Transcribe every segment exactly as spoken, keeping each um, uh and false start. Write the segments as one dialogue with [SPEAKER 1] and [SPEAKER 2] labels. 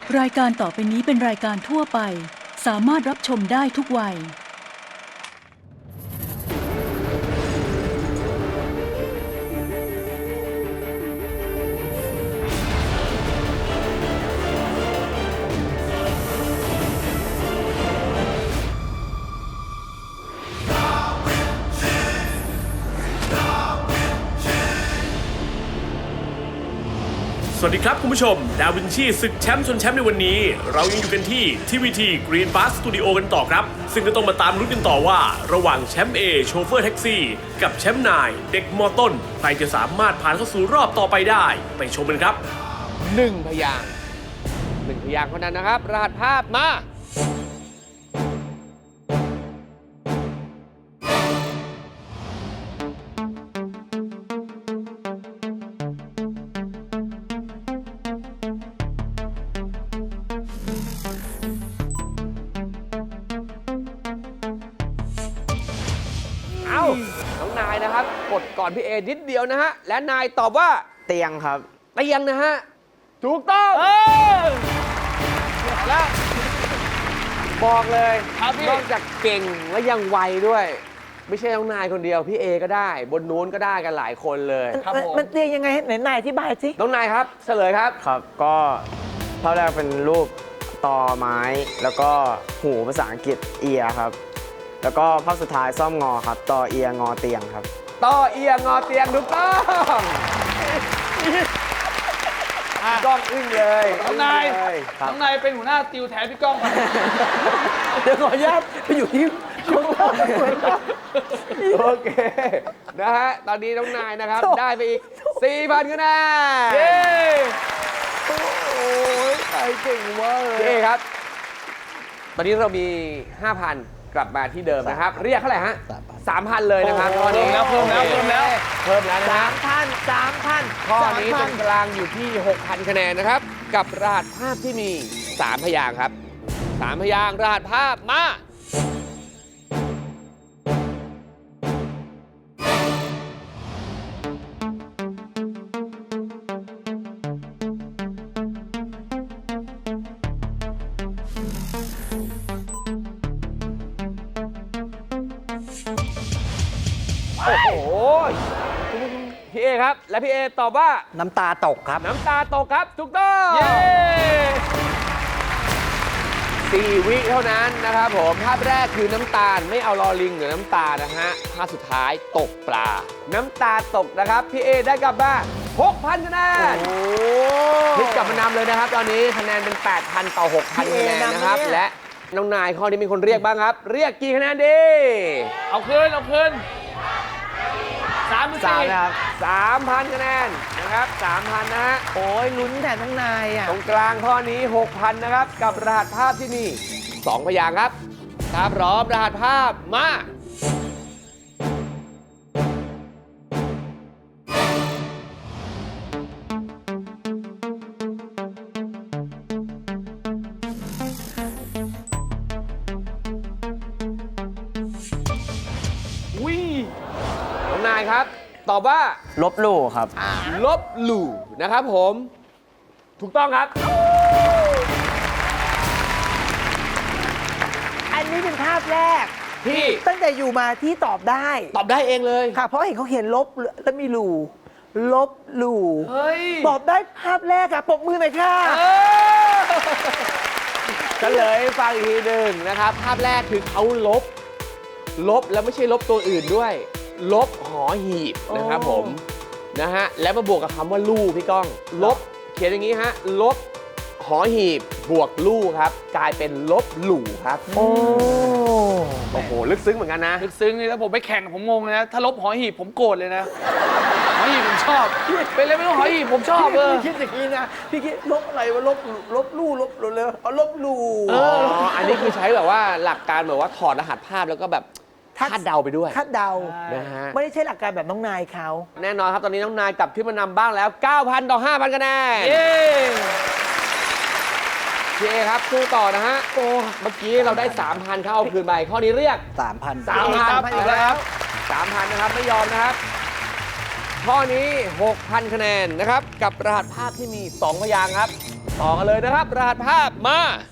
[SPEAKER 1] รายการต่อไปนี้เป็นรายการทั่วไปสามารถรับชมได้ทุกวัย
[SPEAKER 2] สวัสดีครับคุณผู้ชมดาวินชีศึกแชมป์ชนแชมป์ในวันนี้เรายังอยู่กันที่ทีวีทีกรีนบาสสตูดิโอกันต่อครับซึ่งก็ต้องมาตามลุ้นกันต่อว่าระหว่างแชมป์เอโชเฟอร์แท็กซี่กับแชมป์นายเด็กมอต้นใครจะสามารถผ่านเข้าสู่รอบต่อไปได้ไปชมกันครับ
[SPEAKER 3] หนึ่งพยางค์หนึ่งพยางค์เท่านั้นนะครับรหัสภาพมาเอ้าน้องนายนะครับกดก่อนพี่เอนิดเดียวนะฮะและนายตอบว่า
[SPEAKER 4] เตียงครับ
[SPEAKER 3] เตียงนะฮะถูกต้องเออแล้วบอกเลยนอกจากเก่งและยังไวด้วย ไม่ใช่น้องนายคนเดียวพี่เอก็ได้ บนนู้นก็ได้กันหลายคนเลยครับผม
[SPEAKER 5] มันเตียงยังไงไหนนายอธิบายสิ
[SPEAKER 3] น้องนายครับเฉลยครับ
[SPEAKER 4] ครับ ก็ภาพแรกเป็นรูปตอไม้ แล้วก็หูภาษาอังกฤษเอียครับ แล้วก็ภาพสุดท้ายซ่อมงอครับตอเอียงอเตียงครับ
[SPEAKER 3] ต่อเอียงงอเตียงถูกต้องกล้องอึ้งเลย
[SPEAKER 6] น้องนาย
[SPEAKER 3] อึ้งเลยครับ
[SPEAKER 6] น้องนายเป็นหัวหน้าติวแทนพี่ก้องไป
[SPEAKER 5] เดี๋ยวขออนุญาตไปอยู่ที่ช่วงล่างเหมือนกัน
[SPEAKER 3] โอเคนะฮะตอนนี้น้องนายนะครับได้ไปอีก สี่พันคะแนน
[SPEAKER 6] เย้
[SPEAKER 3] โอ้ยใครเก่งมากเลยเย้ครับ ตอนนี้เรามี ห้าพัน กลับมาที่เดิมนะครับ เรียกเท่าไหร่ฮะ สามพัน เลยนะครับข้อนี้
[SPEAKER 6] แล้วเพิ่มแล้วเพิ่มแล้ว
[SPEAKER 3] เพิ่มแล้วนะ
[SPEAKER 5] สา
[SPEAKER 3] ฮะ
[SPEAKER 5] มพันสามพัน
[SPEAKER 3] ข้อนี้ตรงกลางอยู่ที่ หกพัน คะแนนนะครับ กับรหัสภาพที่มี สาม พยางค์ครับ สาม พยางค์รหัสภาพมา โอ้โห พี่เอครับ และพี่เอตอบว่า
[SPEAKER 5] น้ำตาตกครับ
[SPEAKER 3] น้ำตาตกครับ ถูกต้อง
[SPEAKER 6] เย้
[SPEAKER 3] สี่วิเท่านั้นนะครับผม ภาพแรกคือน้ำตาลไม่เอาลอลิงหรือน้ำตานะฮะ ภาพสุดท้ายตกปลา น้ำตาตกนะครับ พี่เอได้กลับบ้าน หกพัน คะแนนพลิกกลับมานำเลยนะครับ ตอนนี้คะแนนเป็น แปดพัน ต่อ หกพัน คะแนนนะครับ และน้องนายข้อนี้มีคนเรียกบ้างครับ เรียกกี่คะแนนดี
[SPEAKER 6] เอาคืนเอาคืนสามหรือ
[SPEAKER 3] สาม
[SPEAKER 6] สี่
[SPEAKER 3] นะครับสามพันคะแนนนะครับสามพันนะฮะ
[SPEAKER 5] โอ้ยลุ้นแทนน้องนายอ่ะ
[SPEAKER 3] ตรงกลางข้อนี้ หกพัน นะครับ กับรหัสภาพที่มีสองพยางค์ครับถ้าพร้อมรหัสภาพมา
[SPEAKER 6] วิ
[SPEAKER 3] น้องนายครับ ตอบว่า
[SPEAKER 4] ลบหลู่ครับ
[SPEAKER 3] ลบหลู่นะครับผม ถูกต้องครับ
[SPEAKER 5] อันนี้เป็นภาพแรก
[SPEAKER 3] ที่
[SPEAKER 5] ตั้งแต่อยู่มาที่ตอบได้
[SPEAKER 3] ตอบได้เองเลย
[SPEAKER 5] ค่ะ เพราะเห็นเขาเขียนลบแล้วมีหลู่ลบหลู่
[SPEAKER 6] เฮ้ย
[SPEAKER 5] ตอบได้ภาพแรกอะปรบมือหน่อยค่ะ
[SPEAKER 6] เออ
[SPEAKER 3] เฉลยให้ฟังอีกทีหนึ่งนะครับ ภาพแรกคือเขาลบ ลบแล้วไม่ใช่ลบตัวอื่นด้วย ลบหอหีบนะครับผมนะฮะแล้วมาบวกกับคำว่าลู่พี่ก้อง ลบเขียนอย่างนี้ฮะลบหอหีบบวกลู่ครับ กลายเป็นลบหลู่ครับ
[SPEAKER 5] โอ้
[SPEAKER 3] โอ้โหลึกซึ้งเหมือนกันนะ
[SPEAKER 6] ลึกซึ้งนี่แล้วผมไปแข่งผมงงเลยนะ ถ้าลบหอหีบผมโกรธเลยนะ หอหีบผมชอบ เป็นเลยไม่ต้องหอหีบผมชอบเออ
[SPEAKER 5] พี่คิดอย่างนี้นะ พี่คิดลบอะไรวะลบลบลู่ลบเลยเอาลบหลู่
[SPEAKER 3] อ๋อ อันนี้คือใช้แบบว่าหลักการแบบว่าถอดรหัสภาพแล้วก็แบบคาดเดาไปด้วย
[SPEAKER 5] คาดเดา
[SPEAKER 3] นะฮะ
[SPEAKER 5] ไม่ได้ใช่หลักการแบบน้องนายเขา
[SPEAKER 3] แน่นอนครับ ตอนนี้น้องนายกลับขึ้นมานำบ้างแล้ว เก้าพัน ต่อ ห้าพัน คะแนน
[SPEAKER 6] เย้
[SPEAKER 3] พี่เอครับสู้ต่อนะฮะ โอ้ เมื่อกี้เราได้ สามพัน เข้าเอาคืนไปข้อนี้เรียก
[SPEAKER 4] สามพัน
[SPEAKER 3] สามพัน
[SPEAKER 6] สามพันอีกแล้ว
[SPEAKER 3] สามพันนะครับ ไม่ยอมนะครับข้อนี้ หกพัน คะแนนนะครับ กับรหัสภาพที่มี สอง พยางค์ครับ ต่อกันเลยนะครับ รหัสภาพมา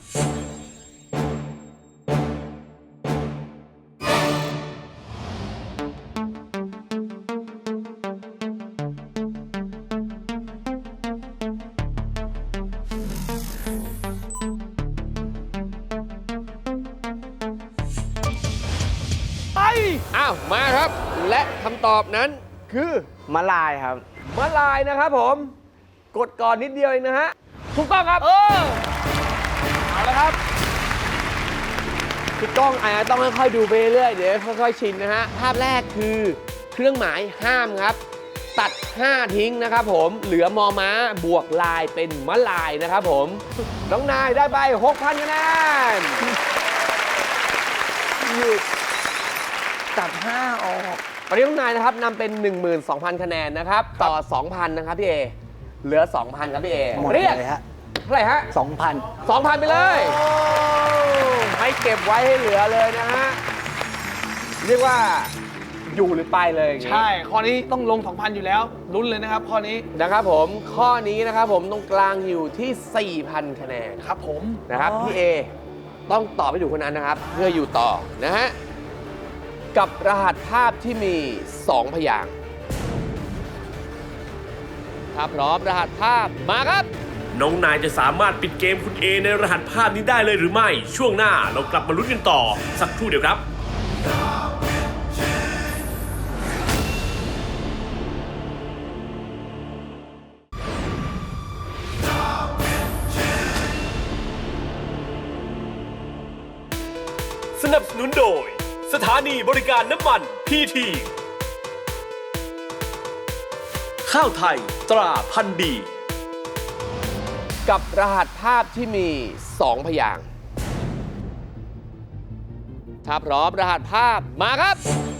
[SPEAKER 6] ไป
[SPEAKER 3] อ้าว มาครับ และคำตอบนั้นคือ
[SPEAKER 4] มะลายครับ
[SPEAKER 3] มะลายนะครับผม กดก่อนนิดเดียวเองนะฮะ ถูกต้องครับ
[SPEAKER 6] เออ เอาละครับ
[SPEAKER 3] พี่ก้องอาจจะต้องค่อยๆดูไปเรื่อยๆเดี๋ยวค่อยๆชินนะฮะ ภาพแรกคือเครื่องหมายห้ามครับ ตัด ห้า ทิ้งนะครับผม เหลือมอม้าบวกลายเป็นมะลายนะครับผม น้องนายได้ไป หกพัน คะแนน
[SPEAKER 5] หยุดตัดห้าออก
[SPEAKER 3] ตอนนี้น้องนายนะครับนำเป็น หนึ่งหมื่นสองพัน คะแนนนะครับ ต่อ สองพัน นะครับพี่เอ เหลือ สองพัน ครับพี่เอ
[SPEAKER 5] หมด
[SPEAKER 3] เรียก
[SPEAKER 5] เลยฮะ
[SPEAKER 3] เท่าไหร่ฮะ
[SPEAKER 5] สองพัน
[SPEAKER 3] สองพัน ไปเลย ไม่เก็บไว้ให้เหลือเลยนะฮะ เรียกว่าอยู่หรือไปเลยอย่างงี้
[SPEAKER 6] ใช่ ข้อนี้ต้องลง สองพัน อยู่แล้ว ลุ้นเลยนะครับ ข้อนี้
[SPEAKER 3] นะครับผม ข้อนี้นะครับผมตรงกลางอยู่ที่ สี่พัน คะแนน
[SPEAKER 6] ครับผม
[SPEAKER 3] นะครับพี่เอต้องตอบให้ถูกคนนั้นนะครับ เพื่ออยู่ต่อนะฮะ กับรหัสภาพที่มี สอง พยางค์ถ้าพร้อมรหัสภาพมาครับ
[SPEAKER 2] น้องนายจะสามารถปิดเกมคุณเอในรหัสภาพนี้ได้เลยหรือไม่ ช่วงหน้าเรากลับมาลุ้นกันต่อ สักครู่เดียวครับ สนับสนุนโดย สถานีบริการน้ำมันพีทีข้าวไทยตราพันธุ์ดี
[SPEAKER 3] กับรหัสภาพที่มี สอง พยางค์ถ้าพร้อมรหัสภาพมาครับ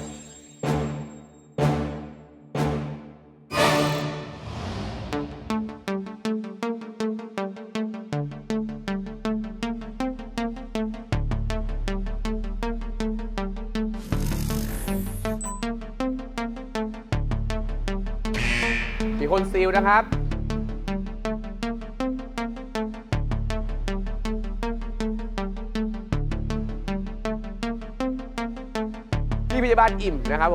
[SPEAKER 3] มีคนซีลนะครับ พี่พยาบาลอิ่มนะครับผม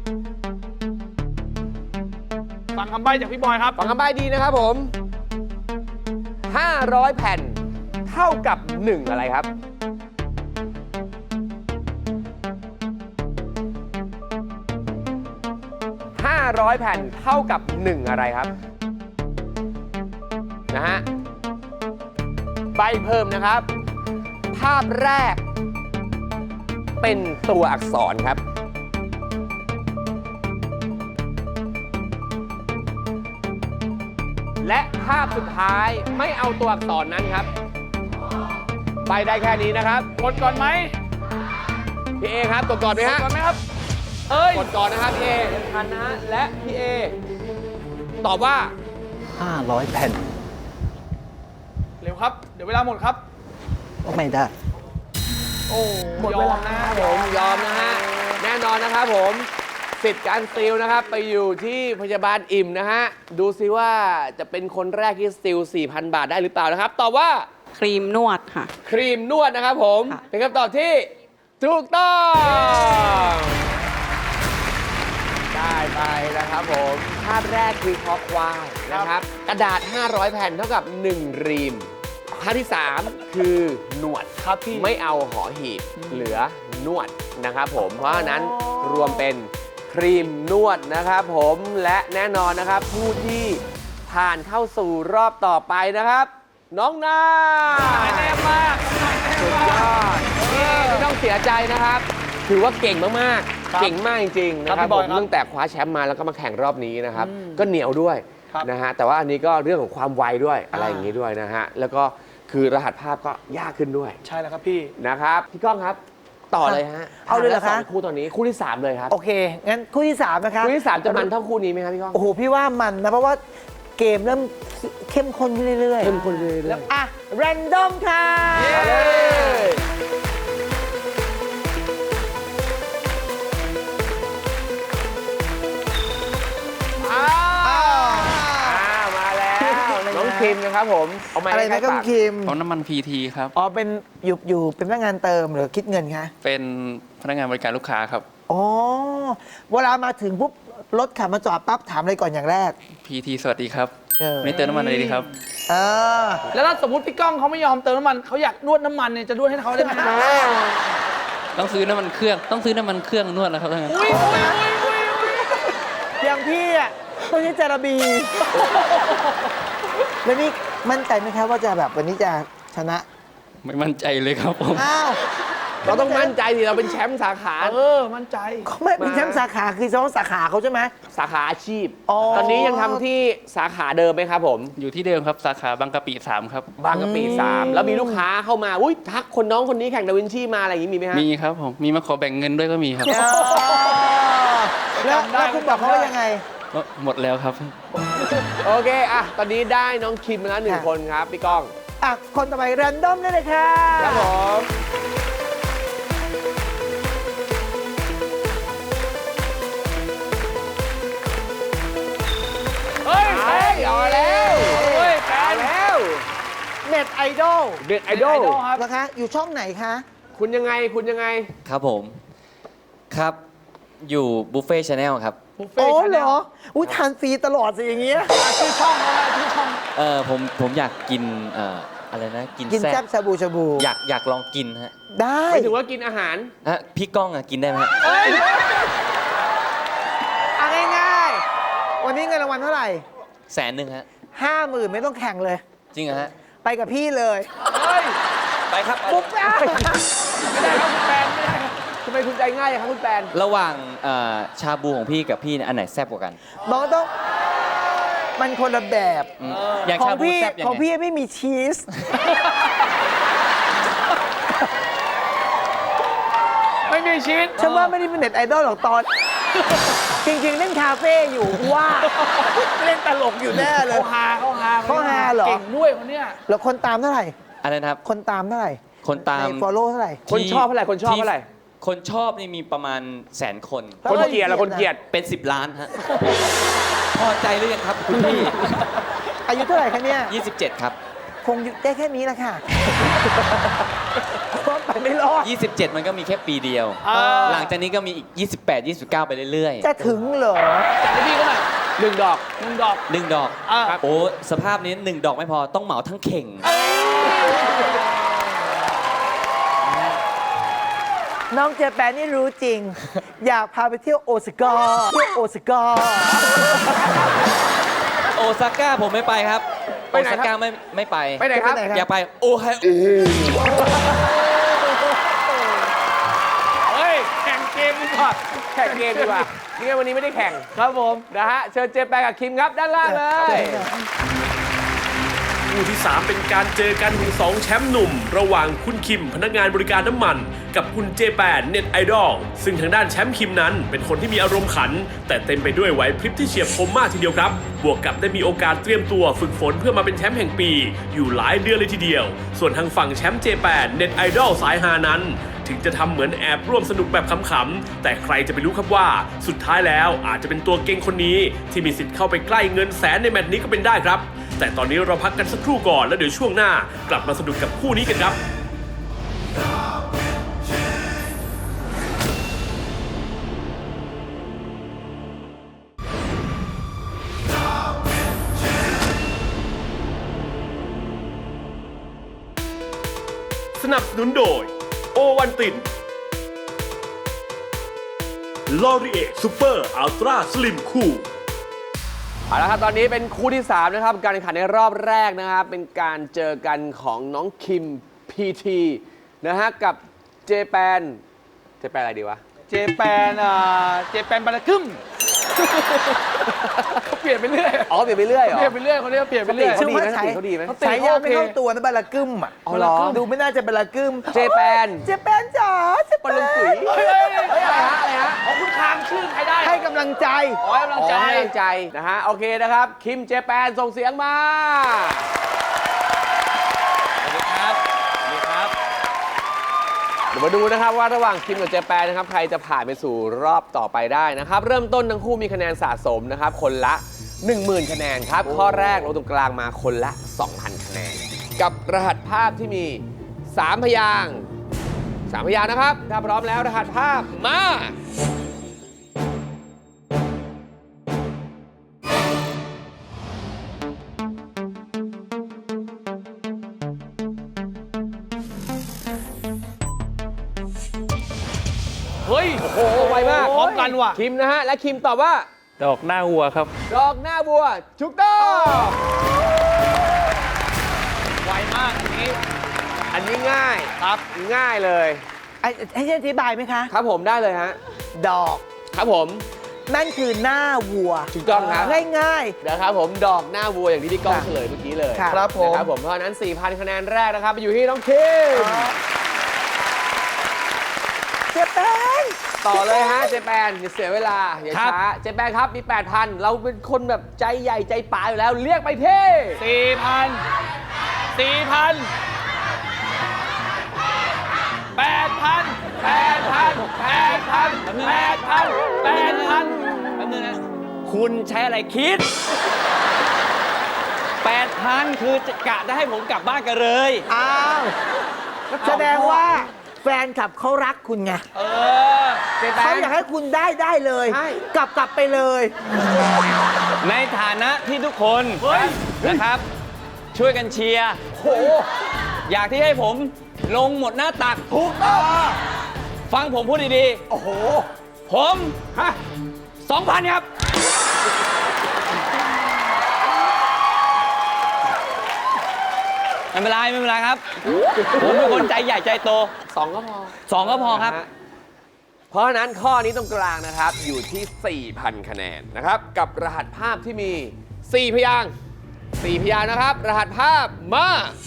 [SPEAKER 6] ฟังคำใบ้จากพี่บอยครับ
[SPEAKER 3] ฟังคำใบ้ดีนะครับผม ห้าร้อย แผ่น เท่ากับ หนึ่ง อะไรครับ ห้าร้อย แผ่น เท่ากับ หนึ่ง อะไรครับ นะฮะ ใบเพิ่มนะครับ ภาพแรก เป็นตัวอักษรครับ และภาพสุดท้ายไม่เอาตัวอักษรนั้นครับ ไปได้แค่นี้นะครับ
[SPEAKER 6] กดก่อนไหม
[SPEAKER 3] พี่เอครับกดก่อนไหม
[SPEAKER 6] กด
[SPEAKER 3] ฮะ
[SPEAKER 6] ก่อนไหมครับ เอ้ย
[SPEAKER 3] กดก่อนนะครับพี่เอยังทันนะฮะ และพี่เอตอบว่า
[SPEAKER 5] ห้าร้อยแผ่น
[SPEAKER 6] เร็วครับ เดี๋ยวเวลาหมดครับ
[SPEAKER 5] ไม่ได้
[SPEAKER 6] โอ้
[SPEAKER 3] หมดเวลา
[SPEAKER 6] นะ
[SPEAKER 3] ครับผมยอมนะฮะ แน่นอนนะครับผม สิทธิ์การสติลนะครับ ไปอยู่ที่พยาบาลอิ่มนะฮะ ดูซิว่าจะเป็นคนแรกที่สติล สี่พัน บาทได้หรือเปล่านะครับ ตอบว่า
[SPEAKER 7] ครีมนวดค่ะ
[SPEAKER 3] ครีมนวดนะครับผม
[SPEAKER 7] ค่ะ
[SPEAKER 3] เป็นคำตอบที่ถูกต้อง ได้ไปนะครับผม ภาพแรกคือคอควายนะครับ กระดาษ ห้าร้อย แผ่นเท่ากับ หนึ่ง รีม ภาพที่ สาม คือหนวด
[SPEAKER 6] ครับพี่
[SPEAKER 3] ไม่เอาหอหีบเหลือนวดนะครับผม เพราะฉะนั้นรวมเป็นครีมนวดนะครับผมและแน่นอนนะครับ ผู้ที่ผ่านเข้าสู่รอบต่อไปนะครับ น้องนา
[SPEAKER 6] แน่มาก
[SPEAKER 3] สุดยอดนี่ไม่ต้องเสียใจนะครับ ถือว่าเก่งมาก
[SPEAKER 6] ครับ
[SPEAKER 3] ๆ เก่งมากจริง ๆ นะค
[SPEAKER 6] ครั
[SPEAKER 3] รั
[SPEAKER 6] บบ พี่บ
[SPEAKER 3] ผ
[SPEAKER 6] อย
[SPEAKER 3] ม
[SPEAKER 6] ครับ
[SPEAKER 3] ตั้งแต่คว้าแชมป์มาแล้วก็มาแข่งรอบนี้นะครับ
[SPEAKER 6] อืม
[SPEAKER 3] ก็เหนียวด้วย
[SPEAKER 6] ครับ
[SPEAKER 3] นะฮะแต่ว่าอันนี้ก็เรื่องของความไวด้วยอะไร
[SPEAKER 6] อ่า
[SPEAKER 3] อย่างนี้ด้วยนะฮะแล้วก็คือรหัสภาพก็ยากขึ้นด้วย
[SPEAKER 6] ใช่แล้วครับพี่
[SPEAKER 3] นะครับพี่ก้องครับ ต่อเลยฮะ
[SPEAKER 5] เอาเลยเหรอคะ
[SPEAKER 3] สองคู่ตอนนี้คู่ที่ สาม เลยครับ
[SPEAKER 5] โอเค งั้นคู่ที่ สาม นะคะ
[SPEAKER 3] คู่ที่ สาม จะมันเท่าคู่นี้ไหมครับพี่ก้อง
[SPEAKER 5] โอ้โห พี่ว่ามันนะ เพราะว่าเกมเริ่มเข้มข้นขึ้นเรื่อยๆ
[SPEAKER 3] เข้มข้นเรื่อยๆ
[SPEAKER 5] แล้วอ่ะ แรนดอมค่ะ
[SPEAKER 3] เอาเลย เอาครับผมเอาไม้
[SPEAKER 5] อะไร
[SPEAKER 3] ใกล้
[SPEAKER 5] นะก็
[SPEAKER 3] ปาก
[SPEAKER 5] คิม
[SPEAKER 6] ปั๊มน้ำมันพีทีครับ
[SPEAKER 5] อ๋อเป็นอยู่อยู่เป็นพนักงานเติมหรือคิดเงินคะ
[SPEAKER 6] เป็นพนักงานบริการลูกค้าครับ
[SPEAKER 5] อ๋อเวลามาถึงปุ๊บรถขับมาจอดปั๊บถามอะไรก่อนอย่างแรก
[SPEAKER 6] พีทีสวัสดีครับ
[SPEAKER 5] เออ
[SPEAKER 6] วันนี้เติมน้ำมันอะไรดีครับ
[SPEAKER 5] เออ
[SPEAKER 6] แล้วถ้าสมมติพี่ก้องเขาไม่ยอมเติมน้ำมันเขาอยากนวดน้ำมันเนี่ยจะนวดให้เขาได้ไหม ต้องซื้อน้ำมันเครื่อง ต้องซื้อน้ำมันเครื่องนวดแล้วครับท่าน
[SPEAKER 5] อุ้ยอุ้ยอุ้ยอุ้ยอุ้ยอย่างพี่อ่ะต้องใช้จาระบี แล้วนี่มั่นใจไหมครับว่าจะแบบวันนี้จะชนะ
[SPEAKER 6] ไม่มั่นใจเลยครับผม
[SPEAKER 5] อ้าว
[SPEAKER 3] เราต้องมั่นใจดิเราเป็นแชมป์สาขา
[SPEAKER 6] เออ มั่นใจ
[SPEAKER 5] เขาไม่เป็นแชมป์สาขาคือเฉพาะสาขาเขาใช่ไหม
[SPEAKER 3] สาขาอาชีพ
[SPEAKER 5] อ๋อ
[SPEAKER 3] ตอนนี้ยังทำที่สาขาเดิมไหมครับผม
[SPEAKER 6] อยู่ที่เดิมครับ สาขาบางกะปิสามครับ
[SPEAKER 3] บางกะปิสามแล้วมีลูกค้าเข้ามาอุ้ยทักคนน้องคนนี้แข่งดาวินชีมาอะไรอย่างนี้มีไหมฮะ
[SPEAKER 6] มีครับผม มีมาขอแบ่งเงินด้วยก็มีครับ
[SPEAKER 5] อ๋อแล้ว
[SPEAKER 6] จำได้
[SPEAKER 5] แล้วคุณบอกเขาว่ายังไง
[SPEAKER 6] ก็หมดแล้วครับ
[SPEAKER 3] โอเคอ่ะตอนนี้ได้น้องคิมมาแล้วหนึ่ง
[SPEAKER 5] ค่ะ
[SPEAKER 3] คนครับพี่ก้อง
[SPEAKER 5] อ่ะ คนต่อไปแรนดอมได้เลยค่ะ
[SPEAKER 3] ครับผมเฮ้ยแฟนเอาแล้วเฮ้ยแฟนแล้ว
[SPEAKER 5] เน็ตไอดอล
[SPEAKER 3] เด็ดไอดอล
[SPEAKER 5] นะคะ อยู่ช่องไหนคะ
[SPEAKER 3] คุณยังไงคุณยังไง
[SPEAKER 7] ครับผม ครับ อยู่บุฟเฟ่ชาแนลครับ
[SPEAKER 5] โอ้เหรอ อุ้ยทานฟรีตลอดสิอย่างเงี้ย
[SPEAKER 6] ชื่อช่องเขาอะชื่อช่อง
[SPEAKER 7] เออผมผมอยากกินเอ่ออะไรนะ กิน
[SPEAKER 5] กิน
[SPEAKER 7] แซ่
[SPEAKER 5] แซ่
[SPEAKER 7] บบ
[SPEAKER 5] ชาบูชาบู
[SPEAKER 7] อยากอยากลองกินฮะ
[SPEAKER 5] ได้
[SPEAKER 3] หมายถึงว่ากินอาหาร
[SPEAKER 7] ฮะพี่ก้องอะกินได้ไหมฮะ
[SPEAKER 5] เอาง่ายๆ วันนี้เงินรางวัลเท่าไหร่
[SPEAKER 7] แสนหนึ่งฮะ
[SPEAKER 5] ห้าหมื่นไม่ต้องแข่งเลย
[SPEAKER 7] จริงเหรอฮะ
[SPEAKER 5] ไปกับพี่เลย
[SPEAKER 7] ไปครับ
[SPEAKER 5] ปุ๊บอ่ะ
[SPEAKER 3] ไม่ได้ครับคุณแฟนไม่ได้ครับทำไมคุณใจง่ายอย่างครับคุณแฟน
[SPEAKER 7] ระหว่างเอ่อชาบูของพี่กับพี่เนี่ยอันไหนแซ่บกว่ากัน
[SPEAKER 5] น้องต้อง มันคนละแบบ
[SPEAKER 7] อืมอย่าง
[SPEAKER 5] ขอ
[SPEAKER 7] ชาง บู
[SPEAKER 5] พี่
[SPEAKER 7] แซ่บยัง
[SPEAKER 5] ของ
[SPEAKER 7] ไง
[SPEAKER 5] พี่ไม่มีชีส
[SPEAKER 6] ไม่มีชีวิต
[SPEAKER 5] ฉันว่าไม่ได้เป็นเน็ตไอดอลหรอกตอน จริงๆ เล่นคาเฟ่อยู่ว่า เล่นตลกอยู่แน่เลย
[SPEAKER 6] เขาฮาเขาฮา
[SPEAKER 5] เขาฮาเหรอ
[SPEAKER 6] เก่งด้วยคนเนี้ย
[SPEAKER 5] แล้วคนตามเท่าไหร่
[SPEAKER 7] อะไรนะครับ
[SPEAKER 5] คนตามเท่าไหร่
[SPEAKER 7] คนตาม
[SPEAKER 5] ใน follow เท่าไหร่
[SPEAKER 3] คนชอบเท่าไหร่คนชอบเท่าไหร่
[SPEAKER 7] คนชอบนี่มีประมาณแสนคน
[SPEAKER 3] คนเกลียดละคนเกลียด
[SPEAKER 7] เป็นสิบล้านฮะ พอใจหรือยังครับคุณพี่
[SPEAKER 5] อายุเท่าไหร่คะเนี่ย
[SPEAKER 7] ยี่สิบเจ็ดครับ
[SPEAKER 5] คงอยู่ได้แค่นี้แหละค่ะเพราะไปไม่รอด
[SPEAKER 7] ยี่สิบเจ็ดมันก็มีแค่ปีเดียว หลังจากนี้ก็มีอีก ยี่สิบแปด ยี่สิบเก้า ไปเรื่อย
[SPEAKER 5] จะถึงเหรอ
[SPEAKER 6] จัดให้พี่ก็หน่อย
[SPEAKER 3] หนึ่งดอก
[SPEAKER 6] หนึ่งดอก
[SPEAKER 7] ๆหนึ่งดอก
[SPEAKER 6] อ่า
[SPEAKER 7] โอ้ สภาพนี้หนึ่งดอกไม่พอต้องเหมาทั้งเข่ง
[SPEAKER 5] น้องเจแปนนี่รู้จริง อยากพาไปเที่ยวโอซาก้าเที่ยวโอซาก้า
[SPEAKER 7] โอซาก้าผมไม่ไปครับ
[SPEAKER 3] ไป
[SPEAKER 7] โอ
[SPEAKER 3] ไหนครับ
[SPEAKER 7] ซาก้าไม่ไม่ไป
[SPEAKER 3] ไปไหนครับ
[SPEAKER 5] ไปไหน
[SPEAKER 7] อยากไปโอไฮโอ
[SPEAKER 6] เฮ้ย แข่งเกมดีกว่า
[SPEAKER 3] แข่งเกมดีกว่านี่ไงวันนี้ไม่ได้แข่ง
[SPEAKER 6] ครับผม
[SPEAKER 3] นะฮะเชิญเจแปนกับคิมครับด้านล่างเลย
[SPEAKER 2] คู่ที่ สาม เป็นการเจอกันของสองแชมป์หนุ่ม ระหว่างคุณคิมพนักงานบริการน้ำมัน กับคุณเจแปนเน็ตไอดอลซึ่งทางด้านแชมป์คิมนั้นเป็นคนที่มีอารมณ์ขัน แต่เต็มไปด้วยไหวพริบที่เฉียบคมมากทีเดียวครับ บวกกับได้มีโอกาสเตรียมตัวฝึกฝนเพื่อมาเป็นแชมป์แห่งปี อยู่หลายเดือนเลยทีเดียว ส่วนทางฝั่งแชมป์เจแปนเน็ตไอดอลสายฮานั้น ถึงจะทำเหมือนแอบร่วมสนุกแบบขำๆแต่ใครจะไปรู้ครับว่าสุดท้ายแล้วอาจจะเป็นตัวเก่งคนนี้ที่มีสิทธิ์เข้าไปใกล้เงินแสนในแมตช์นี้ก็เป็นได้ครับ แต่ตอนนี้เราพักกันสักครู่ก่อนแล้วเดี๋ยวช่วงหน้ากลับมาสนุกกับคู่นี้กันครับ สนับสนุนโดยโอวันตินลอรีเอซูเปอร์อัลตร้าสลิมคูล
[SPEAKER 3] เอาละครับตอนนี้เป็นคู่ที่สามนะครับการแข่งขันในรอบแรกนะครับเป็นการเจอกันของน้องคิมพีทีนะฮะกับเจแปนเจแปนอะไรดีวะ
[SPEAKER 6] เจแปนอ่าเจแปนบาราคึมเขาเปลี่ยนไปเรื่อย
[SPEAKER 3] อ๋อเปลี่ยนไปเรื่อยเหรอ
[SPEAKER 6] เปลี่ยนไปเรื่อยคนนี้เปลี่ยนไปเรื่อย
[SPEAKER 3] เขาดีไหม
[SPEAKER 5] ใช้
[SPEAKER 3] เขาดีไหม
[SPEAKER 6] เขา ติ
[SPEAKER 5] ฉายาไม่เข้าตัวนะบาลากึมอ่ะ
[SPEAKER 3] เอาเหรอ
[SPEAKER 5] ดูไม่น่าจะบาลากึม
[SPEAKER 3] เจแปน
[SPEAKER 5] เจแปนจ๋าเจแป
[SPEAKER 3] ปลงปุ๋ย
[SPEAKER 5] น
[SPEAKER 6] เฮ้ยเฮ้ย
[SPEAKER 3] เฮ้ยอะไรฮะอะไรฮะ
[SPEAKER 6] ของคุณคางชื่อใครได้
[SPEAKER 5] ให้กำลังใจ
[SPEAKER 6] ขอให้กำลัง
[SPEAKER 3] อ๋อ
[SPEAKER 6] ใจ
[SPEAKER 3] ให้กำลังใจนะฮะโอเคนะครับคิมเจแปนส่งเสียงมา
[SPEAKER 7] สวัสดีครับ สวัสดีครับ
[SPEAKER 3] เดี๋ยวมาดูนะครับว่าระหว่างคิมกับเจแปนนะครับใครจะผ่านไปสู่รอบต่อไปได้นะครับเริ่มต้นทั้งคู่มีคะแนนสะสมนะครับคนละ หนึ่งหมื่น คะแนนครับข้อแรกลงตรงกลางมาคนละ สองพันกับรหัสภาพที่มี สาม พยางค์สามพยางค์นะครับ ถ้าพร้อมแล้วรหัสภาพมา
[SPEAKER 5] เฮ้ย
[SPEAKER 3] โอ้โห ไวมาก
[SPEAKER 5] พร้อมกันว่ะ
[SPEAKER 3] คิมนะฮะ และคิมตอบว่า
[SPEAKER 6] ดอกหน้าวัวครับ
[SPEAKER 3] ดอกหน้าบัวถูกต้อง
[SPEAKER 5] ไวมากอันนี้
[SPEAKER 3] อันนี้ง่าย
[SPEAKER 5] ครับ
[SPEAKER 3] ง่ายเลย
[SPEAKER 8] ไอ้ให้ฉันอธิบายไหมคะ
[SPEAKER 3] ครับผมได้เลยฮะ
[SPEAKER 8] ดอก
[SPEAKER 3] ครับผม
[SPEAKER 8] นั่นคือหน้าวัว
[SPEAKER 3] ถูกต้องครับ
[SPEAKER 8] ง่าย
[SPEAKER 3] นะครับผมดอกหน้าวัวอย่างที่พี่ก้องเฉลยเมื่อกี้เลย
[SPEAKER 8] ค่ะ
[SPEAKER 5] ครับผม
[SPEAKER 3] นะครับผมเพราะฉะนั้น สี่พัน คะแนนแรกนะครับไปอยู่ที่น้องคิม
[SPEAKER 8] ๆเจ๊แป้ง
[SPEAKER 3] ต่อเลยฮะเจแปนอย่าเสียเวลาอย่าช้าเจแปนครับมี แปดพัน เราเป็นคนแบบใจใหญ่ใจป๋าอยู่แล้วเรียกไปที่
[SPEAKER 5] สี่พันสี่พันแปดพันแปดพันแปดพันแปดพันแปดพัน
[SPEAKER 7] แป๊บนึงนะ คุณใช้อะไรคิด แปดพัน คือจะกะจะให้ผมกลับบ้านกันเลย
[SPEAKER 8] อ้าวแสดงว่าแฟนคลับเขารักคุณไง
[SPEAKER 5] เออ
[SPEAKER 3] เจแป
[SPEAKER 8] เขา
[SPEAKER 3] น
[SPEAKER 8] อยากให้คุณได้ได้เลย
[SPEAKER 3] ใช่
[SPEAKER 8] กลับกลับไปเลย
[SPEAKER 7] ในฐานะที่ทุกคนนะครับ ช่วยกันเชียร์
[SPEAKER 3] โอ้โห
[SPEAKER 7] อยากที่ให้ผมลงหมดหน้าตัก
[SPEAKER 3] ถูกต้อง
[SPEAKER 7] ฟังผมพูดดี
[SPEAKER 3] โอ้โห
[SPEAKER 7] ๆ ผม
[SPEAKER 3] ฮะ
[SPEAKER 7] สองพันครับ ไม่เป็นไรไม่เป็นไรครับ ผมเป็นคนใจใหญ่ใจโต
[SPEAKER 3] สองก็พอ
[SPEAKER 7] สองก็พอครับ
[SPEAKER 3] นะฮะเพราะฉะนั้นข้อนี้ตรงกลางนะครับอยู่ที่ สี่พัน คะแนนนะครับกับรหัสภาพที่มี สี่ พยางค์สี่ พยางค์นะครับ รหัสภาพมา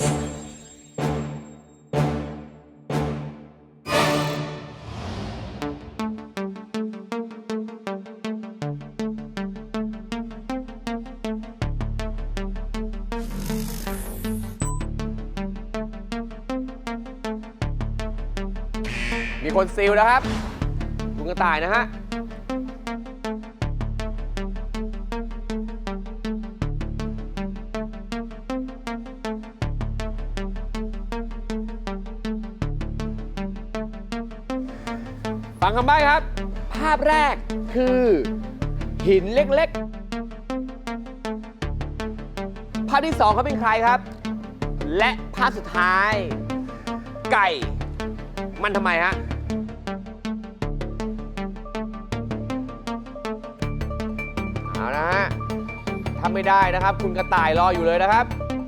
[SPEAKER 3] มีคนซีลนะครับ คุณกระต่ายนะฮะ ฟังคำใบ้ครับ ภาพแรกคือหินเล็กๆ ภาพที่สองเขาเป็นใครครับ และภาพสุดท้าย ไก่ มันทำไมฮะ เอาละฮะทำไม่ได้นะครับ คุณกระต่ายรออยู่เลยนะครับ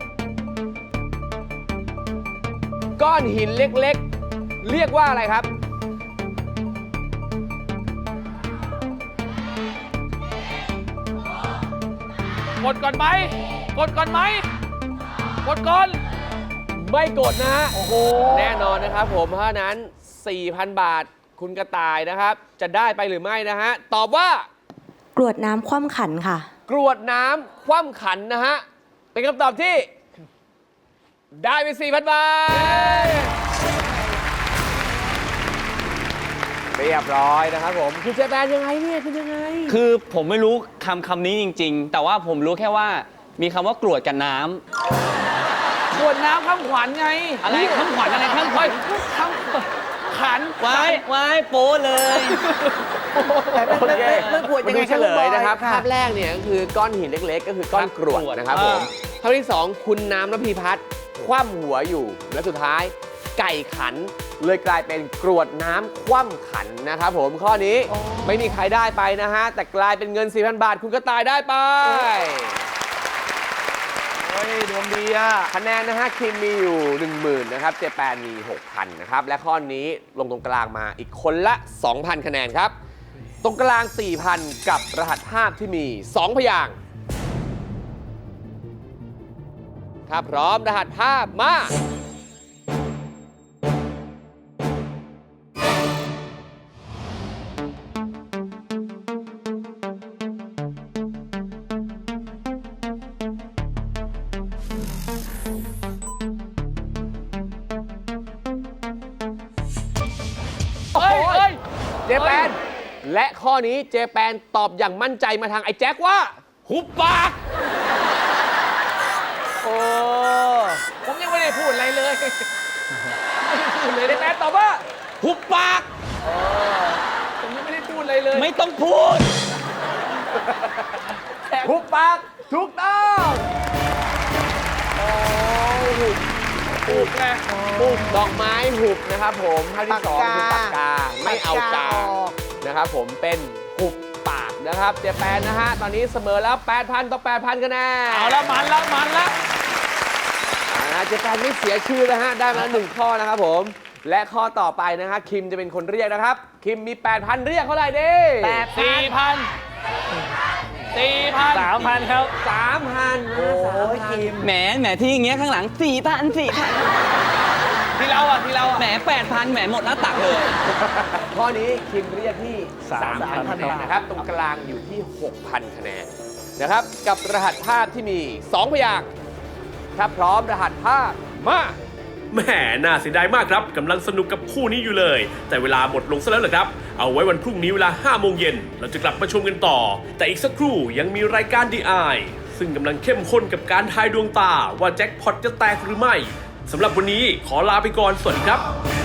[SPEAKER 3] ก้อนหินเล็กๆ เรียกว่าอะไรครับ
[SPEAKER 5] กดก่อนไหมกดก่อนไหมกดก่อน
[SPEAKER 3] ไม่กดนะฮะ โอ้โห แน่นอนนะครับผม เพราะฉะนั้น สี่พัน บาท คุณกระต่ายนะครับ จะได้ไปหรือไม่นะฮะ ตอบว่า
[SPEAKER 9] กรวดน้ำคว่ำขันค่ะ
[SPEAKER 3] กรวดน้ำคว่ำขันนะฮะ เป็นคำตอบที่ ได้ไป สี่พัน บาท เรียบร้อยนะครับผม คุณเจแปนยังไงเนี่ยคุณยังไง
[SPEAKER 7] คือผมไม่รู้คำคำนี้จริง ๆ แต่ว่าผมรู้แค่ว่ามีคำว่ากรวดกับน้ำ
[SPEAKER 5] ขวดน้ำข้ามขวัญไง
[SPEAKER 7] อะไรข้ามขวัญอะไรข้ามขวัญ
[SPEAKER 5] ข้ามขัน
[SPEAKER 7] ไว้ไว้โป้เลย
[SPEAKER 8] แต่ไม่ไม่ไม่ไม่ควร
[SPEAKER 3] มา
[SPEAKER 8] ยัง
[SPEAKER 3] ดู
[SPEAKER 8] ไง
[SPEAKER 3] เฉลยนะครับ
[SPEAKER 8] ค่ะ
[SPEAKER 3] ภาพแรกเนี่ยก็คือก้อนหินเล็กๆ ก็คือก้อนกรวดนะครับผมภาพที่สองคุณน้ำระพีพัฒน์คว่ำหัวอยู่ และสุดท้ายไก่ขันเลยกลายเป็นกรวดน้ำคว่ำขันนะครับผมข้อนี้ไม่มีใครได้ไปนะฮะ แต่กลายเป็นเงิน สี่พัน บาท คุณกระต่ายได้ไป
[SPEAKER 5] เฮ้ยดวงดีอ่ะ
[SPEAKER 3] คะแนนนะฮะคิมมีอยู่ หนึ่งหมื่น นะครับเจแปนมี หกพัน นะครับ และข้อนี้ลงตรงกลางมาอีกคนละ สองพัน คะแนนครับ ตรงกลาง สี่พัน กับรหัสภาพที่มี สอง พยางค์ถ้าพร้อมรหัสภาพมา
[SPEAKER 5] เฮ้ยเฮ้ย
[SPEAKER 3] เจแปน และข้อนี้เจแปนตอบอย่างมั่นใจมาทางไอ้แจ็คว่า
[SPEAKER 7] หุบปาก
[SPEAKER 3] โอ้พูดอะไรเลยไม่ได้พูดเลยได้แปนตอบว่า
[SPEAKER 7] หุบปาก
[SPEAKER 3] ผมยังไม่ได้พูดอะไรเลย
[SPEAKER 7] ไม่ต้องพูด
[SPEAKER 3] หุบปากถูกต้องโอ้หุบหุบไงหุบดอกไม้หุบนะครับผมท่าที่สองคือปากกาไม่เอากานะครับผมเป็นหุบปากนะครับเจแปนนะฮะตอนนี้เสมอแล้ว แปดพัน ต่อ แปดพันคะแนน
[SPEAKER 6] เอาละมันละมันละ
[SPEAKER 3] อ่าเจแปนไม่เสียชื่อนะฮะได้มาแล้วหนึ่งข้อนะครับผมและข้อต่อไปนะฮะคิมจะเป็นคนเรียกนะครับคิมมี แปดพัน เรียกเท่าไหร่ดิ
[SPEAKER 6] สี่พันสี่พัน
[SPEAKER 7] สามพันครับ
[SPEAKER 3] สามพันโอ้ยคิม
[SPEAKER 7] แหมแหมที่อย่างเงี้ยข้างหลังสี่พันสี่พัน
[SPEAKER 6] ที่เราอ่ะที่เราอ่ะ
[SPEAKER 7] แหมแปดพันแหมหมดหน้าตักเลย
[SPEAKER 3] ข้อนี้คิมเรียกที่
[SPEAKER 7] สามพัน
[SPEAKER 3] สามพัน คะแนนนะครับ ตรงกลางอยู่ที่ หกพัน คะแนนนะครับ กับรหัสภาพที่มี สอง พยางค์ถ้าพร้อมรหัสภาพมา
[SPEAKER 2] แหมน่าเสียดายมากครับกำลังสนุกกับคู่นี้อยู่เลย แต่เวลาหมดลงซะแล้วเหรอครับ เอาไว้วันพรุ่งนี้เวลาห้าโมงเย็นเราจะกลับมาชมกันต่อ แต่อีกสักครู่ยังมีรายการ ดี ไอ ซึ่งกำลังเข้มข้นกับการทายดวงตาว่าแจ็คพอตจะแตกหรือไม่สำหรับวันนี้ขอลาไปก่อนสวัสดีครับ